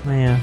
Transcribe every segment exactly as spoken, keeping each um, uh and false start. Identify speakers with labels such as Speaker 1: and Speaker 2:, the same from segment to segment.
Speaker 1: ไม่อะ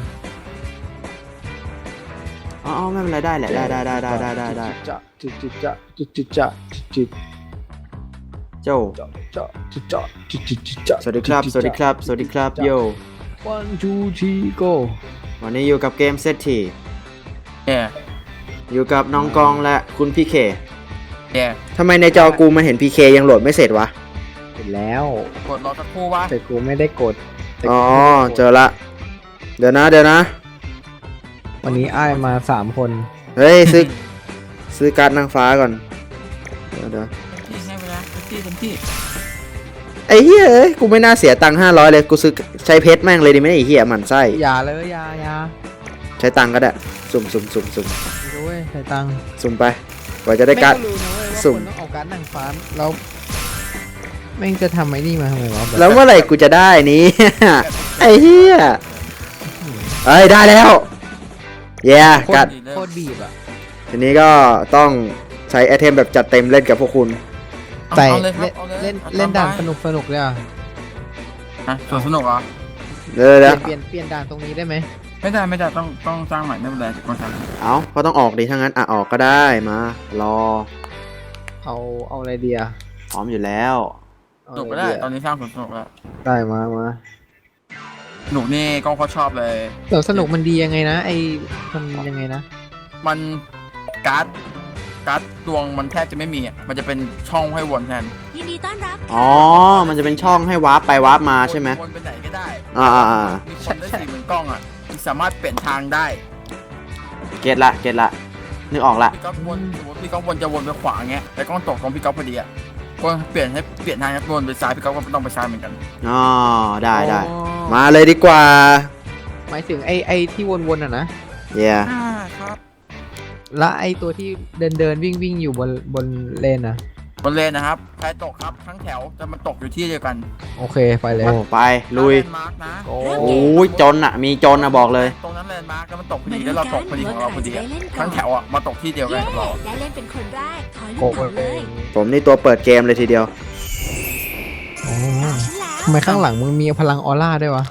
Speaker 2: อ๋อไม่เป็นไรได้แหละได้ได้ได้ได้ได้ได้ได้
Speaker 3: จะจิจิจะจิจิจะจิจิ
Speaker 2: โจ้
Speaker 3: จะจะจิจะจิจิจิจะ
Speaker 2: สวัสดีครับสวัสดีครับสวัสดีครับโย
Speaker 3: one two three go
Speaker 2: วันนี้อยู่กับเกมเซตที
Speaker 4: แย่
Speaker 2: อยู่กับน้องกองและคุณพีเค
Speaker 4: แย่
Speaker 2: ทำไมในจอกูมันเห็นพีเคยังโหลดไม่เสร็จวะ
Speaker 3: เสร็จแล้ว
Speaker 4: กดรอสักครู่วะ
Speaker 3: แต่กูไม่ได้กดแต่
Speaker 2: อ๋อ
Speaker 3: กูไม่ได้กด
Speaker 2: เจอละเดี๋ยวนะเดี๋ยวนะ
Speaker 3: วันนี้อ้ายมาสามคน
Speaker 2: เฮ้ยซื้อซื้อการ์ดนางฟ้าก่อนเดี๋ยวเดี๋ยว
Speaker 4: ที่ให้เวลาเต็มที่เต็มที่
Speaker 2: ไอ้เหี้ยเอ้ยกูไม่น่าเสียตังค์ห้าร้อยเลยกูซื้อใช้เพชรแม่งเลยดีไหมไอ้เหี้ยหมั่นไส้
Speaker 3: อย่าเลยอย่าอย่า
Speaker 2: ใช้ตังค์ก็ได้สุ่มสุ่มสุ่มสุ่ม
Speaker 3: ไม่รู้เว้ยใส่ตังค์
Speaker 2: สุ่มไปกว่าจะได้การ์ด
Speaker 3: ม่รู้นะเว้ยว่า
Speaker 2: สุ่ม
Speaker 3: คนต้องเอาการ์ดหนังฟ้าแล้วแม่งจะทำไอ้นี่มาทำไมวะบบ
Speaker 2: แล้วเมื่อไหร่กูจะได้นี้ ไอ้เหี้ยเอ้ยได้แล้วเย้
Speaker 3: โค
Speaker 2: กั
Speaker 3: ต
Speaker 2: ด
Speaker 3: รโคตรบีบอ่ะ
Speaker 2: ทีนี้ก็ต้องใช้ไอเทมแบบจัดเต็มเล่นกับพวกคุณ
Speaker 4: เอา
Speaker 3: ใส่
Speaker 4: เอาเลยครับ
Speaker 3: เล่น
Speaker 4: เอาย
Speaker 3: เล่นเล่นด่าน
Speaker 4: ตมไป
Speaker 3: สนุกสนุกเลยอ่ะ
Speaker 4: อ่ะสวนสนุกเหรอ
Speaker 2: เดี๋ยว
Speaker 3: เป
Speaker 2: เดี๋
Speaker 3: ลี่
Speaker 2: ย
Speaker 3: ยว นเปลี่ยนเปลี่ยนด่านตรงนี้ได้ไหม
Speaker 4: ไม่ได้ไม่ได้ต้องต้องสร้างใหม่ไม่เป็นไรต้องทำ
Speaker 2: เอาก็ต้องออกดิถ้างั้นอ่ะออกก็ได้มารอ
Speaker 3: เอาเอาอะไรดีอ่ะ
Speaker 2: พร้อมอยู่แล้ว
Speaker 3: เอา
Speaker 4: สนุก
Speaker 3: อะ
Speaker 4: ก็
Speaker 3: ไร
Speaker 4: ได้
Speaker 3: ดี
Speaker 4: ตอ
Speaker 3: อะ
Speaker 4: นนี้สร้างสวนสนุกแล้ว
Speaker 3: ได้มามา
Speaker 4: หนูนี่กล้องเขาชอบเลย
Speaker 3: แต่สนุกมันดียังไงนะไอ้มันยังไงนะ
Speaker 4: มันการ์ดการ์ดดวงมันแทบจะไม่มีอ่ะมันจะเป็นช่องให้วนแทน
Speaker 5: ยินดีต้อนรับ
Speaker 2: อ๋อ มันจะเป็นช่องให้วาร์ปไปวาร์ปมาใช่ไหม
Speaker 4: วนไปไหนก็ได้
Speaker 2: อ่าอ่าอ่า
Speaker 4: มีคนได้สี่เหมือนกล้องอ่ะสามารถเปลี่ยนทางได้
Speaker 2: เก็ตละเก็ตละนึกออกละ
Speaker 4: พี่ก๊อฟวนสมมติพี่ก๊อฟวนจะวนไปขวาเงี้ยแต่กล้องตกตรงพี่ก๊อฟพอดีอ่ะก็เปลี่ยนให้เปลี่ยนทางให้วนไปซ้ายพี่ก๊อฟก็ต้องไปซ้ายเหมือนกัน
Speaker 2: อ๋อได้ได้
Speaker 3: อ๋อ
Speaker 2: มาเลยดีกว่า
Speaker 3: หมายถึงไอ้ไอ้ที่วนๆอ่ะนะ
Speaker 2: เย้
Speaker 4: อ่าครับ
Speaker 3: แล้วไอ้ตัวที่เดินเดินวิ่งวิ่งอยู่บนบนเลนอ่ะ
Speaker 4: บนเลนนะครับใครตกครับทั้งแถวแต่มันตกอยู่ที่เดียวกัน
Speaker 3: โอเคไปเลย
Speaker 2: โอ้ไปลุย
Speaker 4: แลนด์มาร์กนะ
Speaker 3: โอ้
Speaker 2: โอ้ยจนอ่ะ มีจนอ่ะบอกเลย
Speaker 4: ตรงนั้นแลนด์มาร์กแล้วมันตกพอดีแล้วเราตกพอดีของเราพอดีอะทั้งแถวอ่ะมาตกที่เดียวกัน
Speaker 5: เย้
Speaker 4: กับเรา
Speaker 5: ได้เล่นเป็นคนแรก ถอยลู
Speaker 3: โอ้
Speaker 5: ก
Speaker 3: โห
Speaker 5: ก่อนเลย
Speaker 2: ผมนี่ตัวเปิดเกมเลยทีเดียว
Speaker 3: โอ้
Speaker 5: ตาฉันแล้ว
Speaker 3: ทำไมข้างหลังมึงมีพลังออร่าด้วยวะ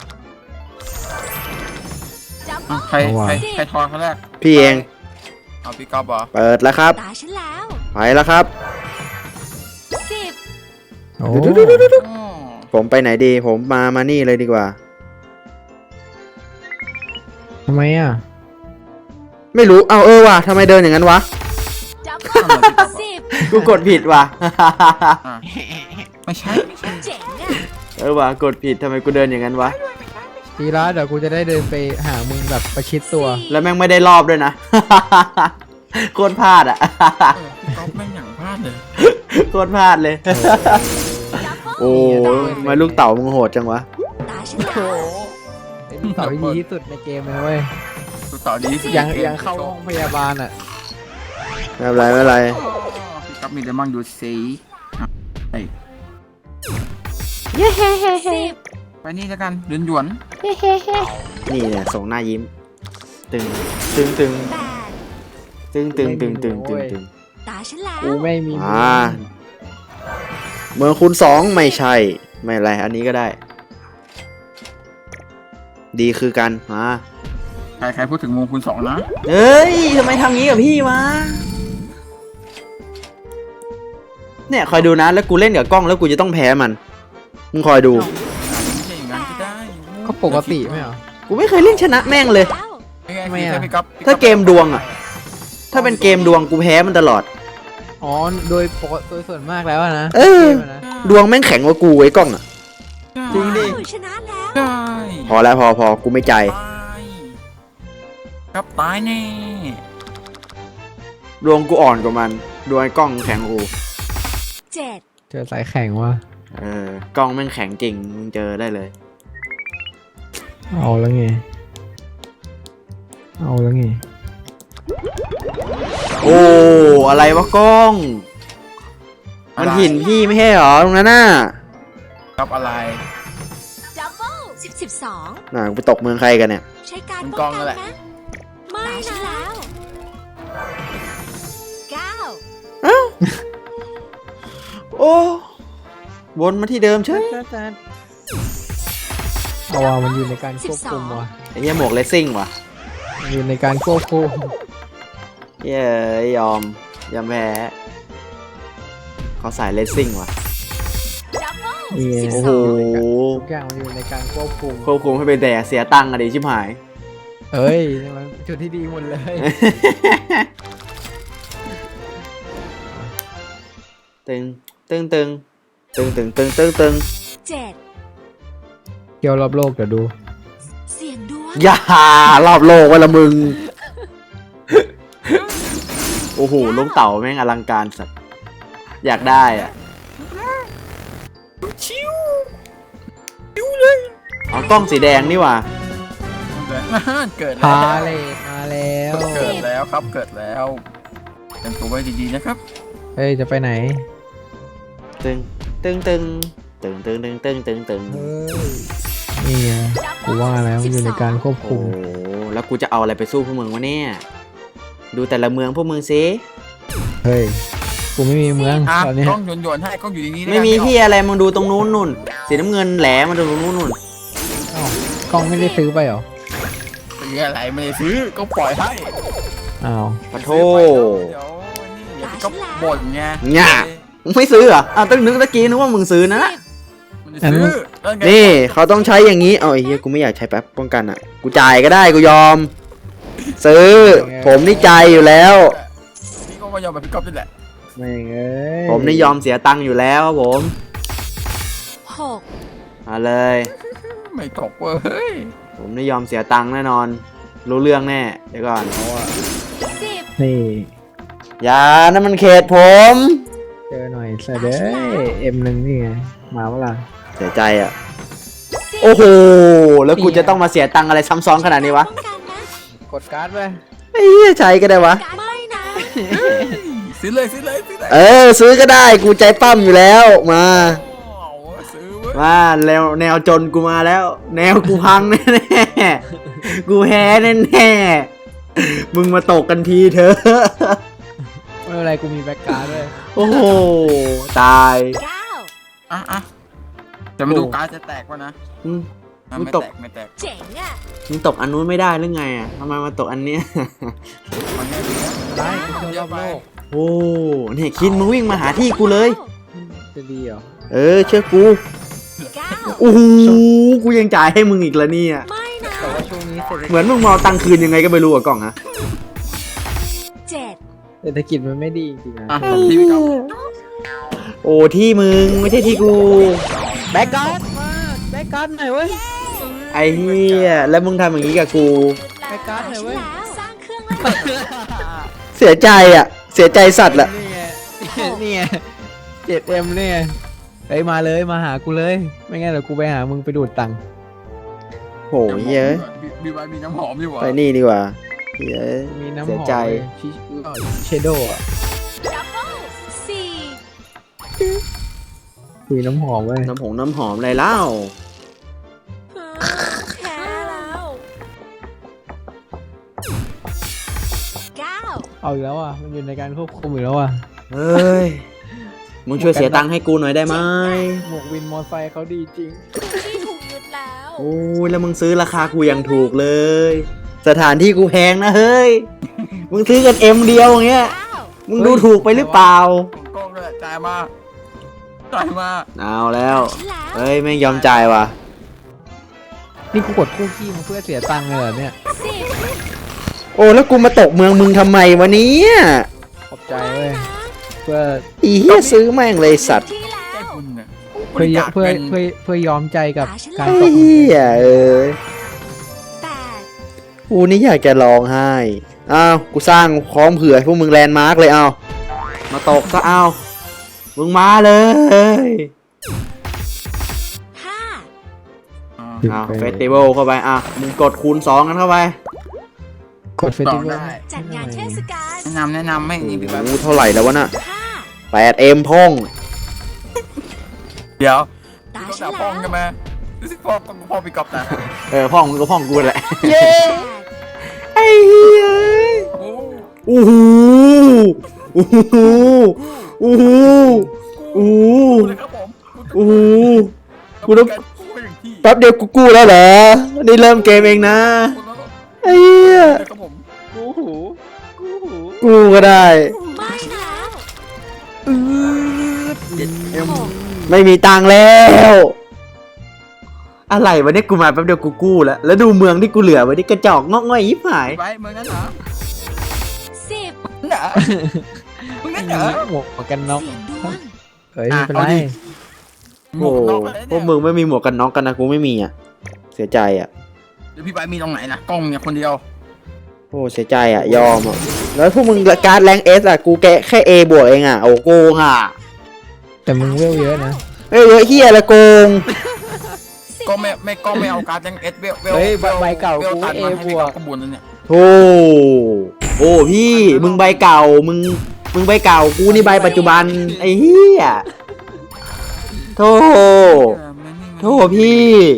Speaker 5: จัมโบ้
Speaker 4: อ่ะใคร
Speaker 3: เอาว่ะ
Speaker 4: ใครใครทอนเขาแรก
Speaker 2: พี่เอง
Speaker 4: เอาพี่ก๊อฟเหรอ
Speaker 2: เปิดแล้วครับ
Speaker 5: ตาฉันแล้ว
Speaker 2: ไปแล้วครับ
Speaker 5: สิบ
Speaker 3: โอ้
Speaker 4: อ๋อ
Speaker 2: ผมไปไหนดี ผมมามานี่เลยดีกว่า
Speaker 3: ทำไมอ่ะ
Speaker 2: ไม่รู้ เอาเออว่ะทำไมเดินอย่างนั้นวะ
Speaker 5: จัมโบ้สิบ
Speaker 2: กูกดผิดว่ะ
Speaker 4: อ่ะไม่ใช่ไม่ใช่
Speaker 5: เจ๋งอ่ะ
Speaker 2: เออว่ะกดผิดทำไมกูเดินอย่างนั้นวะ
Speaker 3: ทีละเดี๋ยวกูจะได้เดินไปหามึงแบบประชิดตัว
Speaker 2: แล้วแม่งไม่ได้รอบด้วยนะ โคตรพลาดอ่ะ
Speaker 4: เออพี่ก๊อฟแม่งอย่างพลาดเลย
Speaker 2: โคตรพลาดเลย
Speaker 5: จัมโบ้
Speaker 2: โอ้ทำไมลูกเต่ามึงโหดจังวะ
Speaker 5: ตาฉันแล้ว
Speaker 3: ไอ้ลูกเต๋าที่ดีที่สุดในเกมเลยนะเว้ย
Speaker 4: ตัวต่อดีที่สุด
Speaker 3: ยัง
Speaker 4: ในกม
Speaker 3: ยังเข้าห้องพยาบาลอ่ะ
Speaker 2: ไม่เป็นไรไม่เป็นไร
Speaker 4: อ๋อพี่ก๊อฟมีเดมอนดูสีอ่ะไป
Speaker 5: สิบ
Speaker 4: ไปนี่แล้วกันหยวนหยวน
Speaker 2: นี่เนี่ยส่งหน้ายิ้ม ตึง ตึงตึง
Speaker 5: แปด
Speaker 2: ตึงตึงตึงตึงตึงตึง
Speaker 5: ตาฉันแล้ว
Speaker 3: กูไม่มีมื
Speaker 2: อ่าเมืองคูณสองไม่ใช่ ไม่เป็นไร อันนี้ก็ได้ ดีคือกันมา
Speaker 4: ใครใครพูดถึงวงคูณสองนะ
Speaker 2: เฮ้ยทำไมทำงี้กับพี่วะเนี่ยคอยดูนะ แล้วกูเล่นกับกล้องแล้วกูจะต้องแพ้มัน มึงคอยดู
Speaker 4: ไม่ใช่อย่างนั้นก็ได้
Speaker 3: ก็ปกติไหมเหรอ
Speaker 2: กูไม่เคยเล่นชนะแม่งเลย
Speaker 5: แล้ว
Speaker 4: ไม่ไง
Speaker 3: ทำไม
Speaker 4: คือ
Speaker 3: อ่ะ
Speaker 4: ถ้าพี่ก๊อฟ
Speaker 2: ถ้าเกมดวงอะถ้าเป็นเกมดวงกูแพ้มันตลอด
Speaker 3: อ๋อโดยปกติโดยส่วนมากแล้วอะนะ
Speaker 2: เออ
Speaker 3: กมะนะ
Speaker 2: ดวงแม่งแข็งกว่ากูไอ้กล้องอะ จริงดิ
Speaker 5: ว้าวชนะแล้ว
Speaker 4: ได้
Speaker 2: พอแล้วพอพอกูไม่ใจ
Speaker 4: ตายครับตายแน่
Speaker 2: ดวงกูอ่อนกว่ามัน ดวงไอ้กล้องแข็งกว่ากู
Speaker 5: เจ็ด
Speaker 3: เจอสายแข่งว่ะ
Speaker 2: เออกล้องแม่งแข็งจริงมึงเจอได้เลย
Speaker 3: เอาแล้วไง เอาแล้วไง
Speaker 2: โอ้อะไรวะกล้อง มันหินพี่ไม่ใช่หรอตรงนั้นน่ะ
Speaker 4: ครับอะไร
Speaker 5: จัมโบ้สิบสิบสอง
Speaker 2: น่ะกูไปตกเมืองใครกันเนี่ย
Speaker 5: ใช้การ
Speaker 4: มัน
Speaker 5: ป้
Speaker 4: กล้
Speaker 5: อ
Speaker 4: อง งนั่
Speaker 5: กัน
Speaker 4: นแหละ
Speaker 5: นะไม่นะแล้วเก้า
Speaker 2: โอ้วนมาที่เดิมเฉย
Speaker 3: เอาเอาว่ามันอยู่ในการควบคุมว่ะ
Speaker 2: ไอ้เหี้ยหมวกเลสซิ่งว่ะ
Speaker 3: มันอยู่ในการควบคุม
Speaker 2: เย้ยยอมยอมแพ้เขาสายเลสซิ่งว่ะ
Speaker 5: ดับเบิล
Speaker 3: นี่ไง
Speaker 2: โอ้โห
Speaker 3: ทุกอย่างมันอยู่ในการควบคุม
Speaker 2: ควบคุมให้เป็นแต่เสียตังค์อะดิชิบหาย
Speaker 3: เอ้ยมันจุดที่ดีหมดเลย
Speaker 2: ตึงตึงตึงตึงตึงตึงตึงตึง
Speaker 5: เจ็ด
Speaker 3: เที่ยวรอบโลกเดี๋ยวดู
Speaker 5: เสียงดวง
Speaker 2: อย่ารอบโลกวะละมึง โอ้โหลูกเต่าแม่งอลังการสัตว์อยากได้อ่ะ
Speaker 4: ชิว
Speaker 2: อ๋อกล้องสีแดงนี่ว่ะ
Speaker 4: เกิด
Speaker 3: พา
Speaker 4: แล้ว
Speaker 3: เลทมาแล้ว
Speaker 4: เกิดแล้วครับเกิดแล้วเป็นตัวไว้ดีๆนะครับ
Speaker 3: เฮ้ยจะไปไหน
Speaker 2: ตึงตึงตึงตึงตึงตึงตึงตึงตึง
Speaker 3: เฮ้ยนี่ไงกูว่าแล้วมันอยู่ในการควบ
Speaker 2: โอ้
Speaker 3: คุม
Speaker 2: โหแล้วกูจะเอาอะไรไปสู้พวกมึงวะเนี่ยดูแต่ละเมืองพวกมึงสิ
Speaker 3: เฮ้ยกูไม่มีเมือง
Speaker 4: อ่ะ
Speaker 3: ตอนเนี้ย
Speaker 4: กล้องโยนๆให้กล้องอยู่อย่างนี้
Speaker 2: ไม่มีที่อะไรมึงดูตรงนู้นนู่นสีน้ำเงินแหลมมาดูตรงนู้นนู่น
Speaker 3: อ้าวกล้องไม่ได้ซื้อไปเหรอ
Speaker 4: ซื้ออะไรไม่ได้ซื้อก็ปล่อยให้
Speaker 3: อ้าว
Speaker 2: ปะโท
Speaker 4: เดี๋ยวนี่เดี๋ยวก็บ่นไง
Speaker 2: ง่ามึงไม่ซื้อเหรออ้าวตั้งนึกตะกี้นึกว่ามึงซื้อนะ
Speaker 4: มันจะซื้อแล้วไง
Speaker 2: นี่เขาต้องใช้อย่างนี้ เอาไอ้เหี้ยกูไม่อยากใช้แป๊บป้องกันอ่ะ กูจ่ายก็ได้กูยอม ซื้อ ผมนี่ใจายอยู่แล้ว
Speaker 4: นี่ก็มายอมแบบพี่ก๊อฟนี่แหละ
Speaker 3: ไม่งเอ้ย
Speaker 2: ผมนี่ยอมเสียตังค์อยู่แล้วครับผม
Speaker 5: หก
Speaker 2: มาเลย
Speaker 4: ไม่ตกเว้ย
Speaker 2: ผมนี่ยอมเสียตังค์แน่นอน รู้เรื่องแน่ เดี๋ยวก่อน
Speaker 5: สิบ
Speaker 3: นี่
Speaker 2: อย่านั่นมันเขตผม
Speaker 3: เจอหน่อยเสยเด้เอ็มหนึ่งนี่ไงมาเมื่อไหร่
Speaker 2: เสียใจอ่ะ โอ้โห แล้วกูจะต้องมาเสียตังค์อะไรซ้ำซ้อนขนาดนี้วะ
Speaker 5: ป้องกันนะ
Speaker 3: กดการ์ดไป
Speaker 2: ไอ้เหี้ยใช้ก็ได้วะ
Speaker 5: ไม่นะ
Speaker 4: ซื้อเลยซื้อเลยซื้อเลย
Speaker 2: เออ ซื้อก็ได้ กูใจปั้มอยู่แล้ว มา
Speaker 4: เอาซื้อเว้ย
Speaker 2: มาแนวแนวจนกูมาแล้ว แนวกูพังแน่ๆกูแพ้แน่ๆมึงมาตกกันทีเถอะ
Speaker 3: ไม่เป็นไรกูมีแบ็กการ์ดด้วย
Speaker 2: โอ้โห ตาย
Speaker 5: เก้า
Speaker 4: อ่ะอ่ะจะมาดูการ์ดจะแตกวะนะ
Speaker 2: อืม
Speaker 4: อ่ะ
Speaker 2: มึง
Speaker 4: ไม่
Speaker 2: ตก
Speaker 4: แตกไม่แตก
Speaker 5: เจ๋งอ่ะ
Speaker 2: มึงตกอันนู้นไม่ได้หรือไงอ่ะทำไมมาตกอันเนี้ย
Speaker 4: มันง่ายดีนะ
Speaker 3: ได้กูเที่ยวรอบโลก
Speaker 2: โอ้เนี่ยคินมึงวิ่งมาหาที่กูเลย
Speaker 3: จะดีเหรอ
Speaker 2: เออ เชื่อกู
Speaker 5: เก้า
Speaker 2: โอ้โหกูยังจ่ายให้มึงอีกแล้วเนี่ย
Speaker 5: ไม่นะ
Speaker 3: แต่ว่าช่วงนี้เศรษฐ
Speaker 2: เหมือนมึงมาเอาตังค์คืนยังไงก็ไม่รู้อะกล่องฮะ
Speaker 5: เจ็ด
Speaker 3: เศรษฐกิจมันไม่ดีจริงๆนะ
Speaker 4: อ่ะผมที่พี่ก๊อฟ
Speaker 2: โอ้ที่มึงไม่ใช่ที่กู
Speaker 3: แบ็กการ์ดมาแบ็กการ์ดหน่อยเว้ย
Speaker 2: ไอ้เหี้ยแล้วมึงทำอย่างนี้กับกู
Speaker 3: ไปการ์ดหน่อยเว้ย
Speaker 5: แล้วสร้างเครื่องแล้ว
Speaker 2: เสียใจอ่ะ เสียใจสัตว์แหละ
Speaker 3: นี่ไงนี่ไงเจ็ดเอ็มนี่ไงเฮ้ยมาเลยมาหากูเลย ไม่งั้นเดี๋ยวกูไปหามึงไปดูดตังค์
Speaker 2: โหเยอะ
Speaker 4: มีมีใบมีน้ำหอมดีกว่า
Speaker 2: ไปนี่ดีกว่าเยอะ
Speaker 3: มีน้ำห
Speaker 2: เสี
Speaker 3: อย ม
Speaker 2: ใจ
Speaker 3: ชิเชโดอ่ะ
Speaker 5: ดับเบิลสี่
Speaker 3: มีน้ำหอมเว้ย
Speaker 2: น้ำผงน้ำหอมอะไรเล่า
Speaker 5: แพ้แล้วเก้า
Speaker 3: เอาอีกแล้วอ่ะมันอยู่ในการควบคุมอีกแล้วอ่ะ
Speaker 2: เฮ้ย มึงช่วยเสียตังค์ให้กูหน่อยได้ไหม
Speaker 3: หมวกวินมอไซค์เขาดีจริง
Speaker 5: ที่ถูกยึดแล้ว
Speaker 2: โอ้ยแล้วมึงซื้อราคากูยังถูกเลย สถานที่กูแพงนะเฮ้ย มึงซื้อกันเอ็มเดียวอย่างเงี้ย
Speaker 5: เก้า
Speaker 2: มึงดูถูกไปหรือเปล่า
Speaker 4: ผมกล้องด้วยจ่ายมาจ่ายมา
Speaker 2: เอาแล้ว
Speaker 5: ฉันแล้ว
Speaker 2: เฮ้ยแม่งยอมจ่ายว่ะ
Speaker 3: นี่กูกดคู่ขี้มาเพื่อเสียตังค์เลยเหรอเนี่ย
Speaker 5: สิบ
Speaker 2: โอ้แล้วกูมาตกเมืองมึงทำไมวะเนี้
Speaker 3: ขอบใจเว้ยเพื่อ
Speaker 2: อีเหี้ยซื้อแม่งเลยสัตว์
Speaker 5: ที่แล้
Speaker 4: แก้
Speaker 5: ว
Speaker 4: คุณเนี่ย
Speaker 3: เพื่อ
Speaker 4: อยาก
Speaker 3: เพื่อ
Speaker 4: เป็น
Speaker 3: เพื่อเพื่อยอมใจกับการ
Speaker 2: ไอ้
Speaker 3: ตก
Speaker 2: เหี้ยเอ้ย
Speaker 5: แปด
Speaker 2: กูนี่อยากจะร้องไห้ อ้าว กูสร้างพร้อมเผื่อให้พวกมึงแลนด์มาร์กเลยเอามาตกซะเอา มึงมาเลย
Speaker 5: ห้า
Speaker 4: อ่า
Speaker 2: เอาเฟสติวัลเข้าไปอ่ะ มึงกดคูณสองกันเข้าไป
Speaker 3: กดเฟสติวัล
Speaker 5: จัดงานเทศกาล
Speaker 4: แนะนำแนะนำให้นี่พี่แบบ
Speaker 2: โอ้เท่าไหร่แล้ววะน่ะ
Speaker 5: ห้า
Speaker 2: แปดเอ็มพ่อง
Speaker 4: เดี๋ยว
Speaker 5: ตา
Speaker 4: พี่
Speaker 5: ฉั
Speaker 4: ก๊อน ฟด่า
Speaker 5: แล้
Speaker 4: พ่อ
Speaker 5: ว
Speaker 4: งกันไหมรู้สึกพ่อต้องพ่อพี่ก๊อฟนะ
Speaker 2: เออพ่องมึงก็พ่องกูแหละ
Speaker 5: แปด
Speaker 2: ไอ้เหี้ย
Speaker 4: โอ้
Speaker 2: โอ้โหโอ้โหโอ้โหโอ้โห
Speaker 4: เลยครับผม
Speaker 2: โอ้โห
Speaker 4: กูต้องการกูอย่างที่
Speaker 2: แป๊บเดียวกูกู้แล้วเหรอนี่เริ่มเกมเองนะไอ้เหี้ย
Speaker 4: เดี๋ยวครับผม
Speaker 3: กูหูกูหู
Speaker 2: กู้ก็ได้
Speaker 5: ไม่นะ
Speaker 3: เจ็ดเอ็ม
Speaker 5: หก
Speaker 2: ไม่มีตังค์แล้ว อะไรวะเนี่ยกูมาแป๊บเดียวกูกู้แล้วแล้วดูเมืองที่กูเหลือไว้ที่กระจอกงอกง่อยยิบหาย
Speaker 4: ไว้เมืองนั้นเหรอ
Speaker 5: สิบ
Speaker 4: เหรอมึงนั่นเหรอ
Speaker 3: หมวกกันน็อก
Speaker 5: เสียงดวง
Speaker 3: เฮ้ยไม่เป็นไร
Speaker 4: เอาดิ หม
Speaker 2: โอ้
Speaker 4: วก
Speaker 2: โห
Speaker 4: กันน็อกอะไร
Speaker 2: พว
Speaker 4: เนี่
Speaker 2: ก
Speaker 4: ย
Speaker 2: มึงไม่มีหมวกกันน็อกกันนะกูไม่มีอ่ะเสียใจอ่ะ
Speaker 4: เดี๋ยวพี่ไปมีตรงไหนนะกล้องเนี่ยคนเดียว
Speaker 2: โอ้เสียใจอ่ะยอมอ่ะแล้วพวกมึงการ์ดแรงเอสอ่ะกูแกะแค่ A บวกเองอ่ะโอ้โกงอ่ะ
Speaker 3: แต่มึงเวลเยอะนะ
Speaker 2: เอ้ยเยอะเฮียละโกง
Speaker 5: สิบ
Speaker 4: ก็ไม่ไม่ก็ไม่เอาการ์ดยังเอสเวลเวล
Speaker 3: เฮ้ยใบใบเก่า
Speaker 4: เวล
Speaker 3: กู
Speaker 4: ตัด
Speaker 3: เอ
Speaker 4: มาให้
Speaker 3: บ
Speaker 4: พี่
Speaker 3: ว
Speaker 4: ก๊
Speaker 3: ก
Speaker 4: อฟขบวนนั่นเนี่ย
Speaker 2: โอ้โอ้พี่มึงใบเก่ามึงมึงใบเก่ากูนี่ใบปัจจุบันไอ้เฮียโธ่โธ่พี่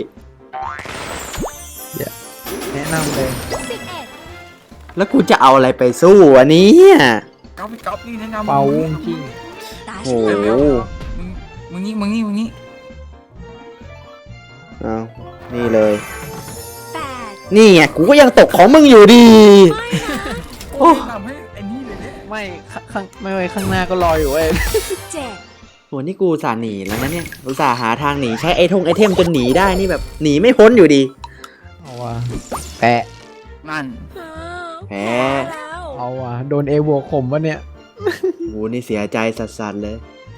Speaker 3: แนะนำเลย
Speaker 5: สิบเอ็ด
Speaker 2: แล้วกูจะเอาอะไรไปสู้อันนี้
Speaker 4: ก๊อฟพี่ก๊อฟนี่แนะนำ
Speaker 3: เป่าวุ้งกิ้ง
Speaker 5: ตา
Speaker 2: โอ้
Speaker 5: ฉัน
Speaker 2: โห
Speaker 5: แล้ว
Speaker 4: มึงมึงนี่มึงนี่มึงนี่
Speaker 2: เอานี่เลย
Speaker 5: แปด
Speaker 2: นี่ไงกูก็ยังตกของมึงอยู่ดี
Speaker 5: ไม่นะ
Speaker 2: โอ้
Speaker 4: แนะนำให้ไอ้นี่เลยเนี่ย
Speaker 3: ไม่ข้างข้างไม่ไว้ข้างหน้าก็รออยู่เว้ย
Speaker 5: เจ็ด
Speaker 2: โหนี่กูอุตส่าห์หนีแล้วนะเนี่ยอุตส่าห์หาทางหนีใช้ไอทงไอเทมจนหนีได้นี่แบบหนีไม่พ้นอยู่ดี
Speaker 3: เอาว่ะแปะ
Speaker 4: นั่น
Speaker 2: แพ้
Speaker 5: แล้ว
Speaker 3: เอาว่ะโดนเอบวกข่มวะเนี่ย
Speaker 2: โหนี่เสียใจสัสๆเลย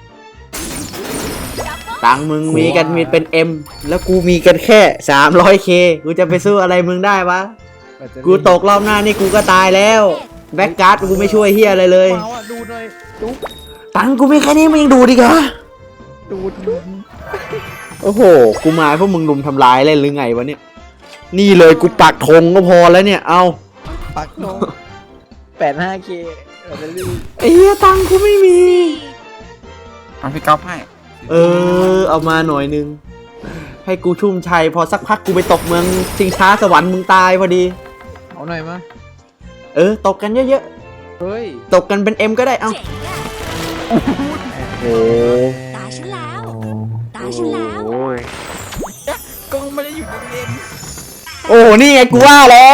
Speaker 2: ตังค์มึงมีกันมีเป็น M แล้วกูมีกันแค่ สามร้อยเค กูจะไปสู้อะไรมึงได้วะ กูตกรอบหน้านี่กูก็ตายแล้ว แบ็กการ์ดกูไม่ช่วยเฮียอะไรเลย
Speaker 3: มาว่ะดูหน่อยดู
Speaker 2: ตังค์กูมีแค่นี้มึงยังดูดิกะ
Speaker 3: ดูดู
Speaker 2: โอ้โห กูมาพวกมึงลุมทำลายเล่นหรือไงวะเนี่ย นี่เลยกูปักธงก็พอแล้วเนี่ย เอา
Speaker 3: ปักโนแปดห้าเคเออจะรีบ
Speaker 2: ไอ้เหี้ยตังค์กูไม่มี
Speaker 5: สี่
Speaker 4: เอาพี่ก๊อฟให้
Speaker 2: เออ เอามาหน่อยนึง ให้กูชุ่มชัยพอสักพักกูไปตกเมืองชิงช้าสวรรค์มึงตายพอดี
Speaker 3: เอาหน่อยมา
Speaker 2: เออ ตกกันเยอะ
Speaker 3: เฮ้ย
Speaker 2: ๆ ตกกันเป็น M ก็ได้ เอา
Speaker 5: เจ๋งอะ
Speaker 2: โอ้
Speaker 5: ตาฉันแล้ว
Speaker 3: โอ้
Speaker 5: ตาฉันแล้ว
Speaker 2: โอ้
Speaker 4: กล้องไม่ได้อยู่ในเลน
Speaker 2: โอ้ นี่ไงกูว่าแล้ว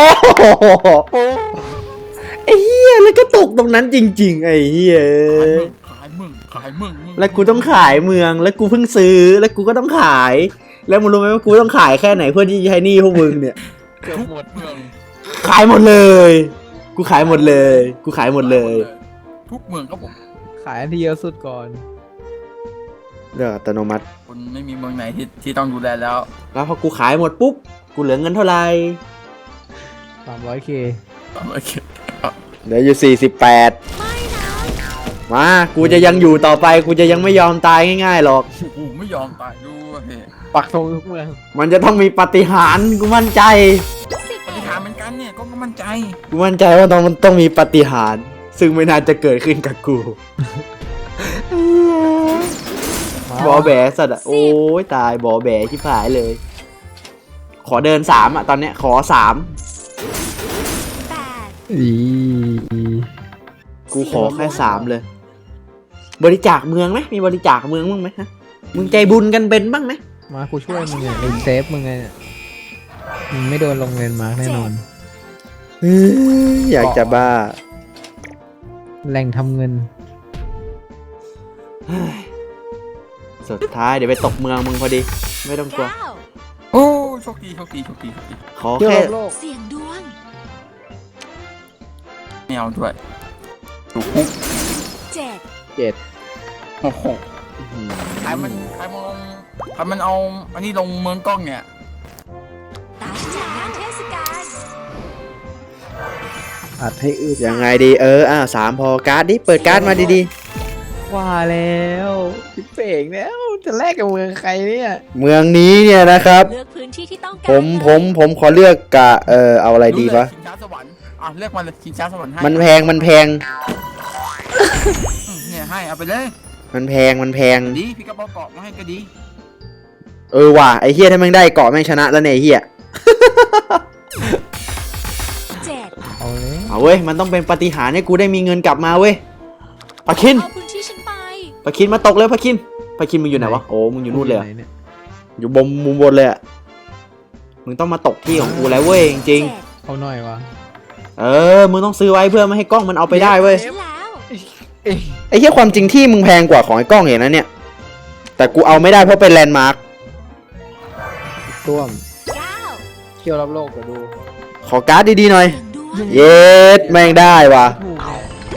Speaker 2: ไอ้เหี้ยแล้วก็ตกตรงนั้นจริง ๆ ไอ้เหี้ย
Speaker 4: ขายมึงขายมึงขายมึง
Speaker 2: แล้วกูต้องขายเมือง แล้วกูเพิ่งซื้อ แล้วกูก็ต้องขาย แล้วมึงรู้ไหมว่ากูต้องขายแค่ไหนเพื่อที่จะใช้หนี้พวกมึงเนี่ย
Speaker 3: เกือบหมด
Speaker 4: เมือง
Speaker 2: ขายหมดเลย กูขายหมดเลย กูขายหมดเลย
Speaker 4: ทุกเมืองครับผม
Speaker 3: ขายอันที่เยอะสุดก่อน
Speaker 2: เดี๋ยวอัตโนมัติ
Speaker 4: คุณไม่มีเมืองไหนที่ที่ต้องดูแลแล้ว
Speaker 2: แล้วพอกูขายหมดปุ๊บ กูเหลือเงินเท่าไหร่
Speaker 3: สามร้อยเค
Speaker 4: โอเค
Speaker 2: เหลืออยู่สี่สิบแปด
Speaker 5: ไม่นะ
Speaker 2: มา กูจะยังอยู่ต่อไป กูจะยังไม่ยอมตายง่ายๆหรอก
Speaker 4: โอ้โหไม่ยอมตายด้วยเฮ้ย
Speaker 3: ปักธงทุกเมือง
Speaker 2: มันจะต้องมีปาฏิหารย์กูมั่นใจ
Speaker 5: สิบ
Speaker 4: ปฏิหารย์เหมือนกันเนี่ยก็มั่นใจ
Speaker 2: กูมั่นใจว่าต้องมันต้องมีปาฏิหารย์ซึ่งไม่น่าจะเกิดขึ้นกับกู บอแบสัตว์อะโอ้ยตายบอแบชิบหายเลย ขอเดินสามอะตอนเนี้ยขอสาม
Speaker 5: แปด
Speaker 3: อี
Speaker 2: กูขอแค่สามเลย บริจาคเมืองไหมมีบริจาคเมืองบ้างไหมฮะมึงใจบุญกันเป็นบ้างไหม
Speaker 3: มากูช่วยมึงเนี่ยมึงเซฟมึงไงเนี่ยมึงไม่โดนลงเลนมาร์กแน่นอน
Speaker 2: เฮ้ยอยากจะบ้า
Speaker 3: แหล่งทำเงิน
Speaker 2: เฮ้ยสุดท้ายเดี๋ยวไปตกเมืองมึงพอดี ไม่ต้องกลัว
Speaker 5: เก้า
Speaker 4: โอ้โชคดีโชคดีโชคดีโชคดี
Speaker 2: ขอ
Speaker 3: เที่ยว
Speaker 2: แค่
Speaker 3: รอบโลก
Speaker 5: เสียงดวง
Speaker 4: ไม่เอาด้วยถูกคุก
Speaker 5: เจ็ด
Speaker 3: เจ็ด
Speaker 4: โอ้โห
Speaker 2: อื้อหือ
Speaker 4: ใครมันใครมันลงใครมันเอาอันนี้ลงเมืองกล้องเนี่ย
Speaker 5: ตาฉันจัดงานเทศกาล
Speaker 3: อัดให้อึด
Speaker 2: ยังไงดีเอออ่าสามพอการ์ดดิเปิดการ์ดมาดี
Speaker 3: ว่าแล้วพิเป่งแล้วจะแลกกับเมืองใครเนี่ย
Speaker 2: ๆ เมืองนี้เนี่ยนะครับ
Speaker 5: เลือกพื้นที่ที่ต้องการ
Speaker 2: ผมผมผมขอเลือกกะเออเอาอะไรดีวะ
Speaker 4: ชิงช้าสวรรค์อ่ะเลือกมาเลยชิงช้าสวรรค์ให้
Speaker 2: มันแพงมันแพง
Speaker 4: อืมเนี่ยให้เอาไปเลย
Speaker 2: มันแพงมันแพง
Speaker 4: ดีพี่กระเป๋าเกาะมาให้ก็ดี
Speaker 2: เออว่ะไอ้เฮียถ้าแม่งได้เกาะแม่งชนะแล้วเนี่ยไอ้เฮีย
Speaker 5: เจ็ด
Speaker 3: เอาเลย
Speaker 2: เอาเว้ยมันต้องเป็นปาฏิหาริย์ให้กูได้มีเงินกลับมาเว้ยปะคิน
Speaker 5: เอาพื้นที่ฉันไป
Speaker 2: ปะคินมาตกเลยปะคินปะคินมึงอยู่ไหนวะโอ้มึงอยู่นู่นเลยเหรอ
Speaker 3: ไหเนี่ย
Speaker 2: อยู่บนมุมบนเลยอะมึงต้องมาตกที่ของกูแล้วเว้ยจริง
Speaker 5: เจ็ด
Speaker 3: เอาหน่อยวะ
Speaker 2: ๆเออมึงต้องซื้อไว้เพื่อไม่ให้กล้องมันเอาไปได้เว้ย
Speaker 5: ใช่แล้ว
Speaker 2: ไอ้เหี้ยความจริงที่มึงแพงกว่าของไอ้กล้องอย่างนั้นเนี่ยแต่กูเอาไม่ได้เพราะเป็นแลนด์มาร์ค
Speaker 3: ต้วม
Speaker 5: เก้า
Speaker 3: เที่ยวรอบโลกเดี๋ยวดู
Speaker 2: ขอการ์ดดีๆหน่อย
Speaker 5: เสียงดวง
Speaker 2: เย็ดแม่งได้ว่ะ
Speaker 3: ถูก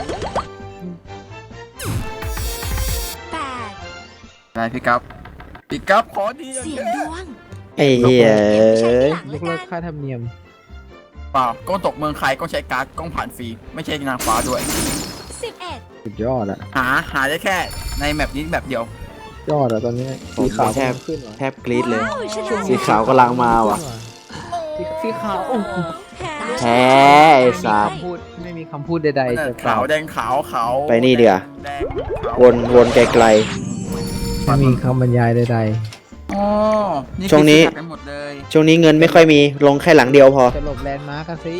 Speaker 5: แปด
Speaker 4: อะไรพี่กั๊บพี่กั๊บขอดี
Speaker 5: เสียงดวง
Speaker 2: ไอ้เหี้ย
Speaker 5: ใช้ทีหลัง
Speaker 3: ย
Speaker 5: ละ
Speaker 3: กเลิ
Speaker 5: กั
Speaker 3: ก
Speaker 5: น
Speaker 3: ค่าธรรมเนียม
Speaker 4: เปล่ากล้องตกเมืองใครก็ใช้การ์ดกล้องผ่านฟรีไม่ใช่นางฟ้าด้วย
Speaker 5: สิบเอ็ด
Speaker 3: สุดยอดอะ
Speaker 4: หาหาได้แค่ในแมปนี้แบบเดียว
Speaker 3: ยอดอะตอนนี้สีขาว
Speaker 2: แทบ
Speaker 3: ขึ้นว่ะ
Speaker 2: แทบกรี๊ดเลย
Speaker 5: ว้าวชนะ
Speaker 2: สีขาวกำลังมาว่ะ
Speaker 3: สีสีขาวโอ้โห
Speaker 2: แพ้ไอ้สัตว์
Speaker 3: คำพูดไม่มีคำพูดใดๆจะกล่า
Speaker 4: ขาว วแดงขาวขาว
Speaker 2: ไปนี่เดี๋ยว
Speaker 4: แดงขาว
Speaker 2: วนวนไกล
Speaker 3: ไม่มีคำบรรยายใด
Speaker 4: อ๋อนี่
Speaker 2: ช่วงนี้
Speaker 4: คือซื้อกันหมดเลย
Speaker 2: ๆช่วงนี้เงินไม่ค่อยมีลงแค่หลังเดียวพอ
Speaker 3: ๆจะหลบแลนด์มาร์กอะสิ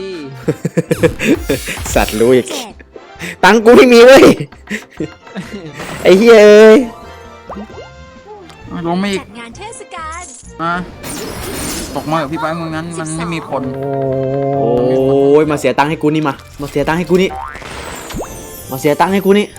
Speaker 2: สัตว์รู้อีก
Speaker 5: เจ็ด
Speaker 2: ตังค์กูที่มีเว้ย ไอ้เหี้ยเอ้ย
Speaker 4: ลงมาอีก
Speaker 5: จัดงานเทศกาล
Speaker 4: มาตกมากับพี่ไปเมืองนั้นมันไม่มีผล
Speaker 3: โอ้
Speaker 2: โอ้ยมาเสียตังค์ให้กูนี่มา มาเสียตังค์ให้กูนี่ มาเสียตังค์ให้กูนี่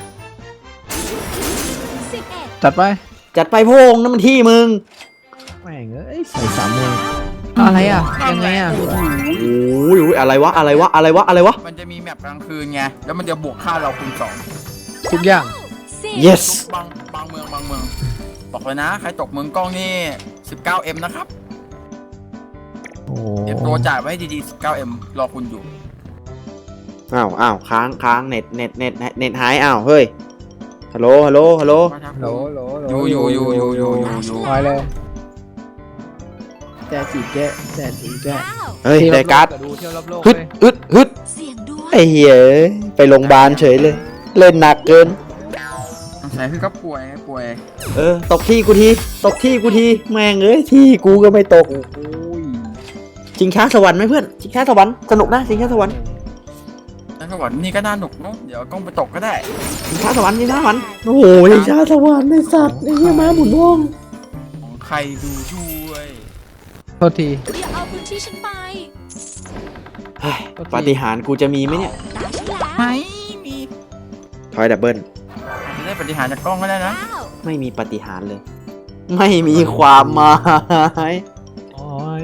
Speaker 5: สิบเอ็ด
Speaker 3: จัดไป
Speaker 2: จัดไปโพงนั่นมันที่มึง
Speaker 3: แม่งเอ้ยใส่สามมืออะไรอ่ะยังไงอ่ะ
Speaker 2: โอ้ยอะไรวะอะไรวะอะไรวะอะไรวะ
Speaker 4: มันจะมีแมปกลางคืนไงแล้วมันจะบวกค่าเราคูณสอง
Speaker 3: ทุกอย่าง
Speaker 5: สิบ
Speaker 2: yes
Speaker 4: บางบางเมืองบางเมืองบอกเลยนะ ใครตกเมืองกล้องนี่ สิบเก้าเอ็ม นะครับ
Speaker 3: โอ้
Speaker 4: เตรียมตัวจ่ายไว้ให้ดีๆ สิบเก้าเอ็ม รอคุณอยู่
Speaker 2: อ้าวอ้าวค้างค้างเน็ตเน็ตเน็ตเน็ตหายอ้าวเฮ้ยฮัลโหลฮัลโหลฮัลโหล
Speaker 3: โหลโหลโหล
Speaker 4: อยู่อยู่อยู่อยู่อยู่อยู่
Speaker 3: คอยเลยแจจีแจแจจีแจ
Speaker 5: เก้า
Speaker 2: เฮ้ยได้การ์ด
Speaker 3: ดูเที่ยวรอบโลก
Speaker 2: ฮึด
Speaker 3: เลย
Speaker 2: ฮึดฮึด
Speaker 5: เสียงดวง
Speaker 2: ไอ้เหี้ยเอ้ยไปโรงพยาบาลเฉยเลย เล่นหนักเกิน
Speaker 4: ใส่พี่ก็ป่วยป่วย
Speaker 2: เออตกที่กูทีตกที่กูทีแม่งเอ้ยที่กูก็ไม่ตก
Speaker 3: โอ้ย
Speaker 2: ชิงช้าสวรรค์ไหมเพื่อนชิงช้าสวรรค์สนุกนะชิงช้าสวรรค์
Speaker 4: แล้วก็วันนี้ก็น่าหนุกเนาะเดี๋ยวกล้องไปตกก็ได้
Speaker 2: ชิงช้าสวรรค์ชิงช้าสวรรค์โอ้โหชิงช้าสวรรค์ไอ้สัตว์ไอ้เหี้ยม้าหมุนว่อง
Speaker 4: ของใครดูด้วย
Speaker 3: โทษที
Speaker 5: อย่าเอาพื้นที่ฉันไป
Speaker 2: เฮ้ยปาฏิหาริย์กูจะมีไหมเนี่ย
Speaker 5: ตาฉันแล้ว
Speaker 4: ไม่มี
Speaker 2: ทอยดับเบิล
Speaker 4: อาจจะได้ปฏิหารย์จากกล้องก็ได้นะ
Speaker 5: เก้า
Speaker 2: ไม่มีปาฏิหาริย์เลย ไม่มีความหมาย
Speaker 3: โอ้ย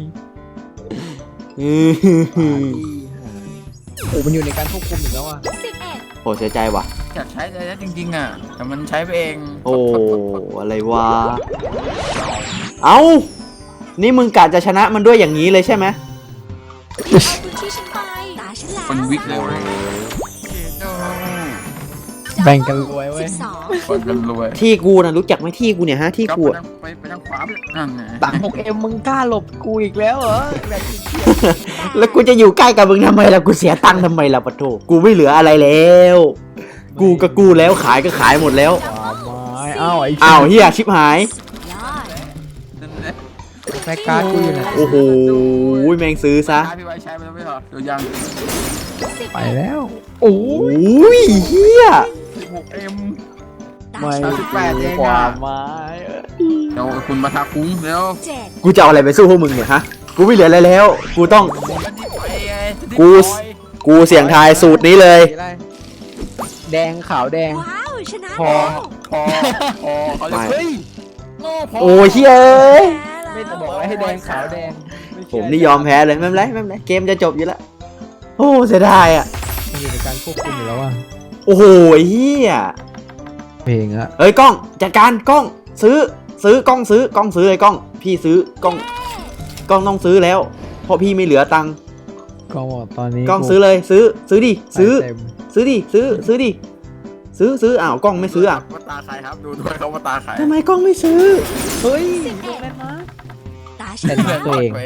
Speaker 2: อื้อหือ
Speaker 3: โอ้มันอยู่ในการควบคุมอยู่แล้วอ่ะ
Speaker 5: สิบเอ็ด
Speaker 2: โอ้เสียใจว่ะ
Speaker 4: อยากใช้อะไรได้จริงๆอ่ะ แต่มันใช้ไปเอง
Speaker 2: โอ้อะไรวะเอ้านี่มึงกะจะชนะมันด้วยอย่างนี้เลยใช่ไหม
Speaker 5: อย่าเอาพื้นที่ฉันไปตาฉันแล้ว
Speaker 4: คนวิกเลยเว้ยโอ้
Speaker 3: แบ่งกันรวยเว้ย
Speaker 5: สิบสอง
Speaker 4: คนกันรวย
Speaker 2: ที่กูนะรู้จักไหมที่กูเนี่ยฮะที่
Speaker 4: ก็
Speaker 2: กู
Speaker 4: ไป
Speaker 2: อะ
Speaker 4: ทางไปไปทางขวาไปนั่นไง
Speaker 3: ตังหกเอ็มมึงกล้าหลบกูอีกแล้วเหรอแบบขี้เกียจ
Speaker 2: แล้วกูจะอยู่ใกล้กับมึงทำไมล่ะกูเสียตังค์ทำไมล่ะปะโถกูไม่เหลืออะไรแล้ว กูก็กูแล้วขายก็ขายหมดแล้ว
Speaker 3: ความหมายอ้าวไอ้
Speaker 2: อ้าวเฮียชิบหาย
Speaker 5: ยอด
Speaker 4: นั่นแหละ
Speaker 3: แม่การ์ดกูอยู่ไหน
Speaker 2: โอ้โหแม่งซื้อซะ
Speaker 4: ใช้พี่ไว้ใช้ไปแล้วไม่เหรอเดี๋ยวยัง
Speaker 5: สิบ
Speaker 3: ไปแล้วโอ้
Speaker 2: โอ้
Speaker 3: ย
Speaker 2: ยเฮีย
Speaker 4: สิบหกเอ็ม
Speaker 5: ตา
Speaker 3: ไม่
Speaker 5: ฉัน
Speaker 4: สิบแปดเองอะ
Speaker 3: ความหมาย
Speaker 4: เดี๋ยวคุณมาทาคุ้งแล้ว
Speaker 5: เจ็ด
Speaker 2: กูจะเอาอะไรไปสู้พวกมึงเนี่ยฮะกูไม่เหลืออะไรแล้ว กูต้อง
Speaker 4: มันดีไปไงดี
Speaker 2: กู
Speaker 4: ไป
Speaker 2: กูเสี่ยงทายสูตรนี้เลย
Speaker 3: แดงขาวแดง
Speaker 5: ว้าวชนะ
Speaker 3: พอ
Speaker 5: แล้ว
Speaker 4: พอพอเขาจะ
Speaker 2: ไม่
Speaker 4: เฮ้ยโง่พอ
Speaker 2: โอ้ยเฮียเอ้ย
Speaker 3: ไม่จะบอกว่าให้แดงขาวแดงไเชื่
Speaker 2: ผมนี่ยอมแพ้เลยไม่เป็นไรไม่เป็นไรเกมจะจบอยู่แล้วโอ้เสียดายอ่ะ
Speaker 3: มันอยู่ในการควบคุมอยู่แล้วอ่ะ
Speaker 2: โอ้โหเฮีย
Speaker 3: เพลงอะ
Speaker 2: เอ้ยกล้องจัดการกล้องซื้อซื้อกล้องซื้อกล้องซื้อเลยกล้อง พี่ซื้อกล้องกล้องต้องซื้อแล้ว เพราะพี่ไม่เหลือตังค์
Speaker 3: ก็บอกตอนนี้
Speaker 2: กล้องซื้อเลยซื้อซื้อดิซื้อ
Speaker 3: เต็ม
Speaker 2: ซื้อดิซื้อซื้อดิซื้อซื้ออ้าวกล้องไม่ซื้ออ่ะ
Speaker 4: ว่าตาใครครับดูด้วยเขาว่าตาใคร
Speaker 2: ทำไมกล้องไม่ซื้อ
Speaker 3: เฮ้ย
Speaker 5: ตาฉัน
Speaker 3: เป็น
Speaker 5: แล้ว
Speaker 3: ตัวเอง
Speaker 4: ตัวเอง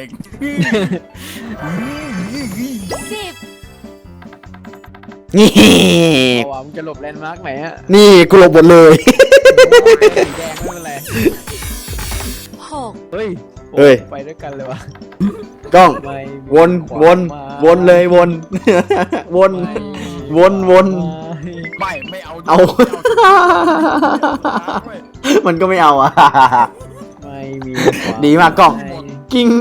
Speaker 5: สิบ
Speaker 2: นี่
Speaker 3: เอาว่ามึงจะหลบแลนด์มาร์กไหนอะ
Speaker 2: นี่กูหลบหมดเลย
Speaker 3: สีแดงไม่เป็นไร
Speaker 5: หก
Speaker 3: เฮ้ย
Speaker 2: เฮ้ย
Speaker 3: ไปด้วยกันเลยวะ
Speaker 2: กล้อง
Speaker 3: ไม่
Speaker 2: วนวนวนเลยวน วน วนวน
Speaker 4: ไม่ไม่เอา
Speaker 2: เอา
Speaker 4: ไม่
Speaker 2: มันก็ไม่เอาอ่ะ
Speaker 3: ไม่มี
Speaker 2: ดีมากกล้อง
Speaker 3: ไม่
Speaker 2: กิ้ง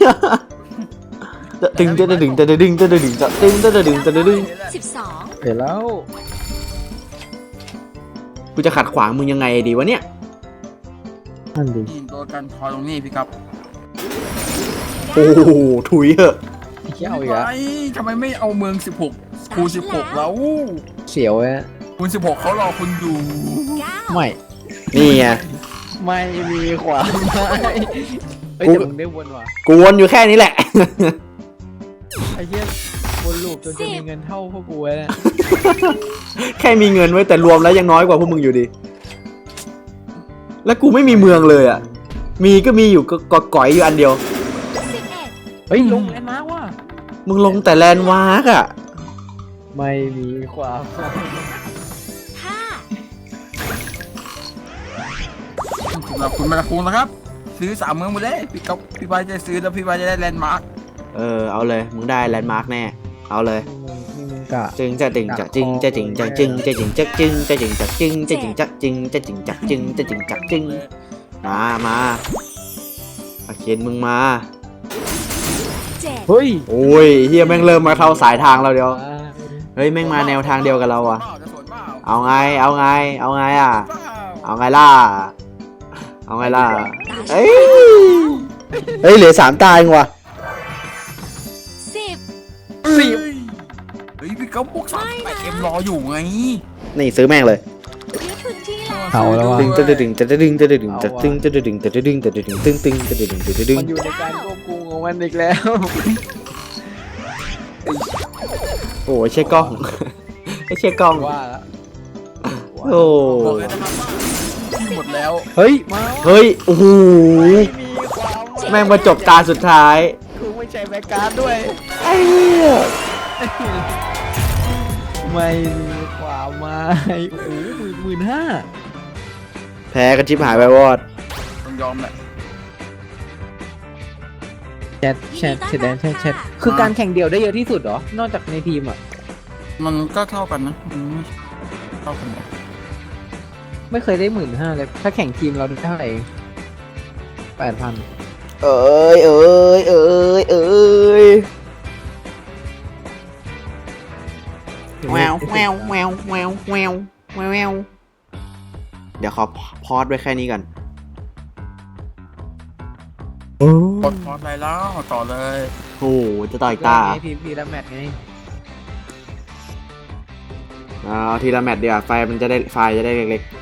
Speaker 2: ตึงจะดึงจะดึงจะดึงจะตึงจะดึงจะดึง
Speaker 5: สิบสอง
Speaker 3: เห็นแล้ว
Speaker 2: กูจะขัดขวางมึงยังไงดีวะเนี่ย
Speaker 3: นั่นดิ
Speaker 4: นี่ตัวกันทอยตรงนี้พี่ครับ
Speaker 2: โอ้โหถุยเหอะ
Speaker 3: เขี้ยวอีกอะ
Speaker 4: ไอ้ทำไมไม่เอาเมืองสิบหกคูณสิบหกแล้ว
Speaker 3: เสียวอะ
Speaker 4: คูณสิบหกเขารอคุณอยู่
Speaker 5: เก้า
Speaker 3: ไม่
Speaker 2: นี่ไง
Speaker 3: ไม่มีความหมายเฮ้ย
Speaker 2: กู
Speaker 3: แต่มึงได้วนว่ะ
Speaker 2: กูวนอยู่แค่นี้แหละ
Speaker 3: ไอ้เหี้ยวนลูปจนจะมีเงินเท่าพวกกูแล้วเนี่ย
Speaker 2: แค่มีเงินไว้แต่รวมแล้วยังน้อยกว่าพวกมึงอยู่ดี แล้วกูไม่มีเมืองเลยอ่ะ มีก็มีอยู่ก็ก็ก่อยอยู่อันเดียว
Speaker 5: สิบเอ็ด
Speaker 3: เฮ้ยลงแอนมาร์กว่ะ
Speaker 2: มึงลงแต่แลนด์มาร์กอ่ะ
Speaker 3: ไม่มีความหมาย
Speaker 5: ห้า
Speaker 4: สำหรับคุณมาคูณนะครับ ซื้อสามเมืองหมดเลยพี่กับพี่บายจะซื้อแล้วพี่บายจะได้แลนด์มาร์ค
Speaker 2: เออเอาเลยมึงได้แลนด์มาร์กแน่เอาเลย
Speaker 3: นี่มึงกะ
Speaker 2: จึงจะจึงจะจึงจะจึงจะจึงจะจึงจะจึงจะจึงจะจึงจะจึงจะจึงจะจึงจะจึงจะจึงจะจึงมามาอาเขียนมึงมา
Speaker 5: เจ็ด
Speaker 3: เฮ้ย
Speaker 2: โอ้ยเฮียแม่งเริ่มมาเข้าสายทางเราเดียวเฮ้ยแม่งมาแนวทางเดียวกับเราอ่ะ
Speaker 4: จะสวนเปล่า
Speaker 2: เอาไงเอาไงเอาไงอ่ะ เอาไงล่ะเอาไงล่ะเอ้ยเฮ้ยเหลือสามตาเองว่ะ
Speaker 5: สิบ
Speaker 4: สิบเฮ้ยพี่กับพวกสามแปดเอ็มรออยู่ไง
Speaker 2: นี่ซื้อแม่งเลย
Speaker 5: ยึดพื้นที่แล้ว
Speaker 3: เอาแล้วว่ะ
Speaker 2: ตึงจะดึงจะดึงจะดึงจะดึงจะดึงจะดึงจะดึงตึงตึงจะดึงจะดึง
Speaker 3: มันอยู่ในการควบคุมของมันอีกแล้ว
Speaker 2: โอ้ยใช่กล้องไม่ใช่กล้อง
Speaker 3: ว่าละ
Speaker 2: โอ้
Speaker 4: บอกเลยนะครับว่าที่หมดแล้ว
Speaker 3: เฮ้ยมา
Speaker 2: เฮ้ยโอ้โห
Speaker 3: ไม่มีความหย
Speaker 2: แม่งมาจบตาสุดท้าย
Speaker 3: กูไม่ใช่แบ็กการ์ดด้วย
Speaker 2: ไอ้เหี้ย
Speaker 3: ไม่มีความหมายโอ้โหหมื่นหมื่นห้า
Speaker 2: แพ้กันชิบหายไปวอด
Speaker 4: ต้องยอมแหละ
Speaker 3: แชทแชทแชทแดนแชทแชทคือการแข่งเดี่ยวได้เยอะที่สุดเหรอ นอกจากในทีมอ่ะ
Speaker 4: มันก็เท่ากันนะมันไม่เท่ากันหรอก
Speaker 3: ไม่เคยได้หมื่นห้าเลย ถ้าแข่งทีมเราได้เท่าไหร่แปดพัน
Speaker 2: เอ้ยเอ้ยเอ้ยเอ้ยแววแววแววแววแววแววแววเดี๋ยวขอพอดไว้แค่นี้ก่อน
Speaker 4: กดพอดอะไรแล้วต่อเลย
Speaker 2: โอ้โหจะต่อยตา
Speaker 3: พีพีละแมตช์ไง
Speaker 2: เอาทีละแมตช์ดีกว่าไฟมันจะได้ไฟจะได้เล็กๆ